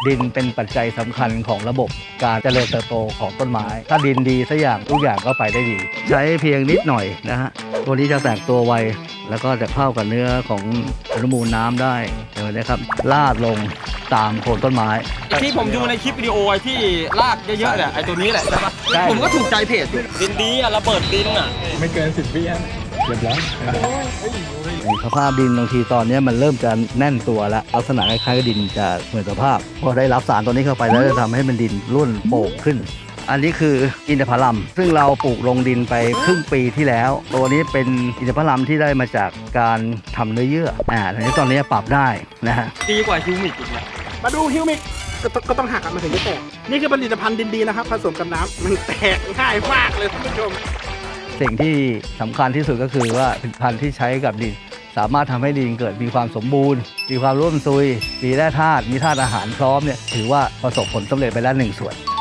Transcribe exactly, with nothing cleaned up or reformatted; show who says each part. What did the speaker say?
Speaker 1: ดินเป็นปัจจัยสำคัญของระบบการเจริญเติบโตของต้นไม้ถ้าดินดีสักอย่างทุกอย่างก็ไปได้ดีใช้เพียงนิดหน่อยนะฮะตัวนี้จะแตกตัวไวแล้วก็จะเข้ากับเนื้อของอนุมูลน้ำได้เห็นไหมครับลาดลงตามโคนต้นไม้
Speaker 2: ที่ผมดูในคลิปวิดีโอที่ลากเยอะๆเนี่ยไอ้ตัวนี้แหละใช่ปะผมก็ถูกใจเพจดินดีอ่ะระเบิดดินอ่ะ
Speaker 3: ไม่เกินสิบวิอ่ะเรียบร้อย
Speaker 1: สภาพดินบางทีตอนนี้มันเริ่มจะแน่นตัวแล้วลักษณะคล้ายๆกับดินจะเหมือนสภาพพอได้รับสารตัวนี้เข้าไปแล้วจะทำให้มันดินร่วนโป่งขึ้นอันนี้คืออินทผลัมซึ่งเราปลูกลงดินไปครึ่งปีที่แล้วตัวนี้เป็นอินทผลัมที่ได้มาจากการทำเนื้อเยื่ออ่าทีนี้ตอนนี้ปรับได้นะฮะ
Speaker 2: ดีกว่าฮิวมิกอีกนะ
Speaker 4: มาดูฮิวมิกก็ต้องหักมันถึงจะแตกนี่คือผลิตภัณฑ์ดินดีนะครับผสมกับน้ำมันแตกง่ายมากเลยท่านผู้ชม
Speaker 1: สิ่งที่สำคัญที่สุดก็คือว่าผลิตภัณฑ์ที่ใช้กับดินสามารถทำให้ดินเกิดมีความสมบูรณ์มีความร่วนซุยมีแร่ธาตุมีธาตุอาหารพร้อมเนี่ยถือว่าประสบผลสำเร็จไปแล้วหนึ่งส่วน